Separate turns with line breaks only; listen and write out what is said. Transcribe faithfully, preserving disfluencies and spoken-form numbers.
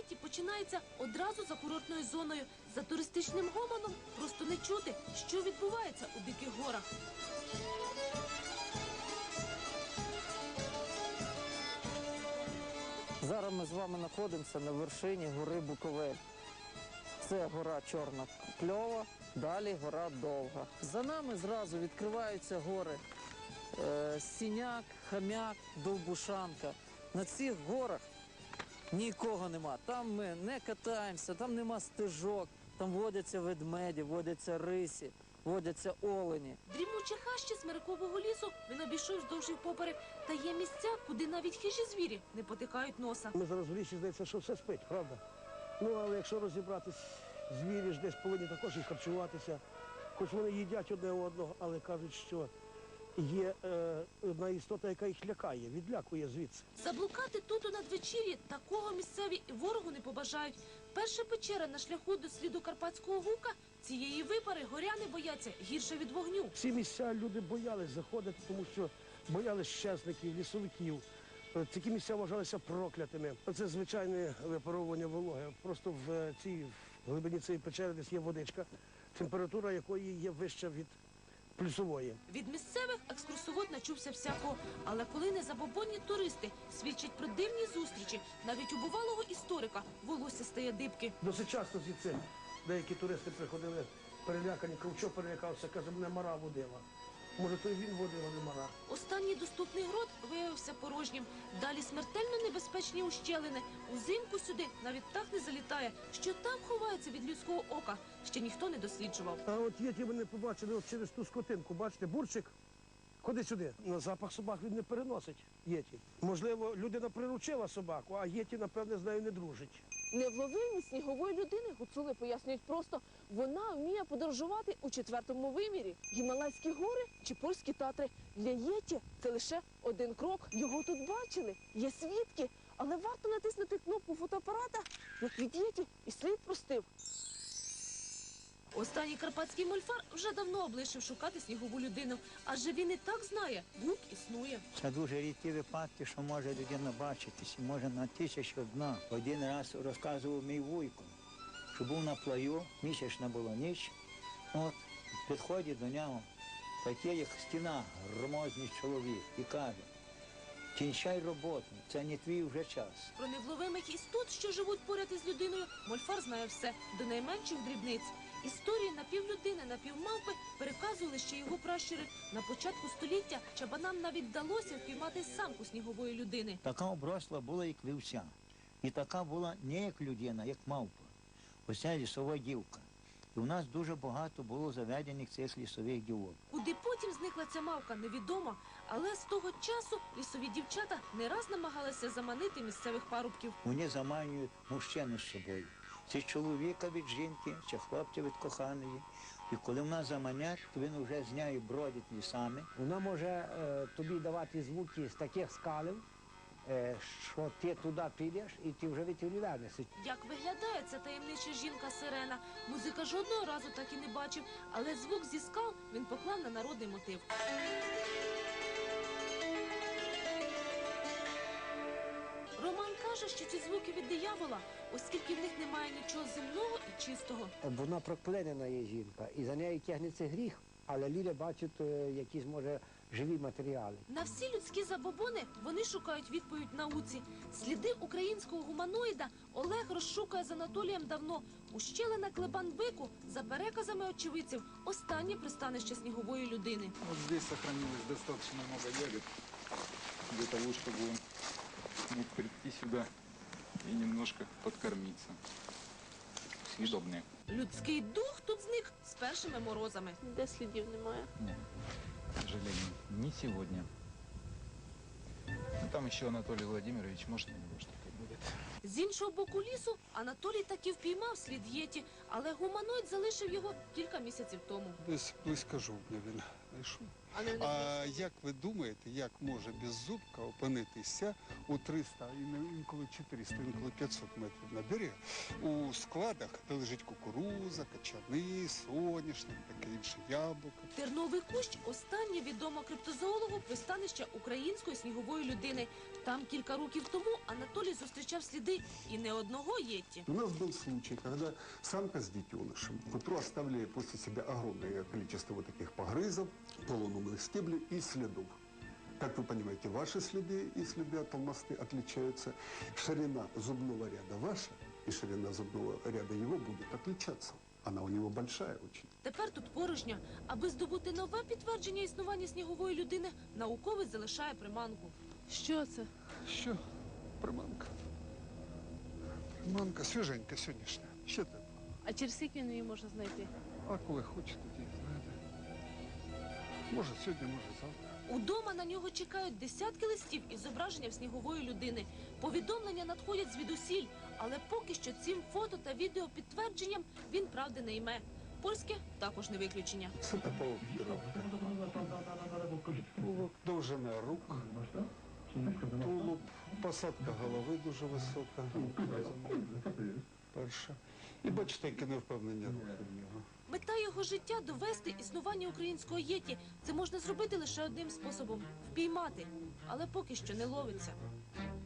Єті починається одразу за курортною зоною. За туристичним гомоном просто не чути, що відбувається у Диких горах.
Зараз ми з вами знаходимося на вершині гори Буковель. Це гора Чорна Кльова, далі гора Довга. За нами зразу відкриваються гори е, Сіняк, Хам'як, Довбушанка. На цих горах нікого нема. Там ми не катаємося, там нема стежок, там водяться ведмеді, водяться рисі, водяться олені.
Дрімучі хащі Смирикового лісу він обійшов вздовж і впоперек. Та є місця, куди навіть хижі звірі не потикають носа.
Ми зараз в лісі, здається, що все спить, правда? Ну, але якщо розібратись, звірі ж десь повинні також і харчуватися. Хоч вони їдять одне одного, але кажуть, що є е, одна істота, яка їх лякає, відлякує звідси.
Заблукати тут у надвечір'ї такого місцеві і ворогу не побажають. Перша печера на шляху до сліду Карпатського гука, цієї випари горяни бояться гірше від вогню.
Ці місця люди боялись заходити, тому що боялись щезників, лісовиків. Такі місця вважалися проклятими. Це звичайне випаровування вологи. Просто в цій в глибині цієї печери десь є водичка, температура якої є вища від плюсової.
Від місцевих екскурсовод начувся всякого. Але коли незабобонні туристи свідчать про дивні зустрічі, навіть у бувалого історика волосся стає дибки.
Досить часто звідси деякі туристи приходили перелякані, Ковчо перелякався, каже, мене мара водила. Може, то і він водив, а не мара.
Останній доступний грот виявився порожнім. Далі смертельно небезпечні ущелини. Узимку сюди навіть птах не залітає. Що там ховається від людського ока, ще ніхто не досліджував.
А от єті вони побачили от через ту скотинку. Бачите, бурчик, ходи сюди. На запах собак він не переносить єті. Можливо, людина приручила собаку, а єті, напевне, з нею не дружить.
Невловимість снігової людини гуцули пояснюють просто. Вона вміє подорожувати у четвертому вимірі. Гімалайські гори чи польські Татри. Для єті це лише один крок. Його тут бачили, є свідки. Але варто натиснути кнопку фотоапарата, як від єті і слід простив.
Останній карпатський мольфар вже давно облишив шукати снігову людину. Адже він і так знає, гук існує.
Це дуже рідкі випадки, що може людина бачитись, може на тисячу одна. Один раз розказував мій вуйко, що був на плаю, місячна була ніч, от, підходить до нього такий, як стіна, громозний чоловік, і каже, кінчай роботу, це не твій вже час.
Про невловимих істот, що живуть поряд із людиною, мольфар знає все, до найменших дрібниць. Історії напівлюдини, напівмавпи переказували ще його пращури. На початку століття чабанам навіть вдалося впіймати самку снігової людини.
Така обросла була, як вівця. І така була не як людина, як мавпа. Оця лісова дівка. І у нас дуже багато було заведених цих лісових дівок.
Куди потім зникла ця мавка, невідомо. Але з того часу лісові дівчата не раз намагалися заманити місцевих парубків.
Вони заманюють мужчину з собою. Чи чоловіка від жінки, чи хлопця від коханої. І коли в нас заманять, то він вже з нею бродить лісами.
Вона може е, тобі давати звуки з таких скалів, е, що ти туди підеш і ти вже від тілі вернешся.
Як виглядає ця таємнича жінка-сирена, музика жодного разу так і не бачив, але звук зі скал він поклав на народний мотив. Роман каже, що ці звуки від диявола, оскільки в них немає нічого земного і чистого.
Вона проклинена є жінка, і за нею тягнеться гріх, але люди бачать е, якісь, може, живі матеріали.
На всі людські забобони вони шукають відповідь науці. Сліди українського гуманоїда Олег розшукує з Анатолієм давно. Ущелина Клебан-Бику, за переказами очевидців, останнє пристанище снігової людини.
Вот здесь сохранилось достаточно много ягод для того, чтобы он мог прийти сюда и немножко подкормиться. Съедобные.
Людський дух тут зник з першими морозами.
Де слідів немає?
Нет, к сожалению, не сегодня. Но там еще Анатолий Владимирович, может, у него что-то будет.
З іншого боку лісу Анатолій таки впіймав слід єті, але гуманоїд залишив його кілька місяців тому.
Десь близько жовтня він знайшов.
А не
А як ви думаєте, як може беззубка опинитися у триста, інколи чотириста, інколи п'ятсот метрів на берег, у складах, де лежить кукуруза, качани, соняшник, таке інше яблуко?
Терновий кущ – останнє відомо криптозоологу пристанище української снігової людини. Там кілька років тому Анатолій зустрічав залишав сліди і не одного єті.
У нас был случай, когда самка с детенышем к утру оставили после себя огромное количество вот таких погрызов, полуломанных стеблей и следов. Как вы понимаете, ваши следы и следы от алмазты отличаются. Ширина зубного ряда ваша и ширина зубного ряда его будет отличаться. Она у него большая очень.
Тепер тут порожня. Аби здобути нове підтвердження існування снігової людини, науковець залишає приманку.
Що це?
Що? Приманка. Приманка свіженька сьогоднішня. Ще тепла.
А через скільки її можна знайти?
А коли хочете, тоді знаєте. Може сьогодні, може завтра.
Удома на нього чекають десятки листів із зображенням снігової людини. Повідомлення надходять звідусіль, але поки що цим фото та відео підтвердженням він правди не йме. Польське також не виключення.
Це палопіровка. Тулуб, довжина рук, тулуб, посадка голови дуже висока. Перша. І бачите, яке невпевнення рухи в нього.
Мета його життя – довести існування українського єті. Це можна зробити лише одним способом – впіймати. Але поки що не ловиться.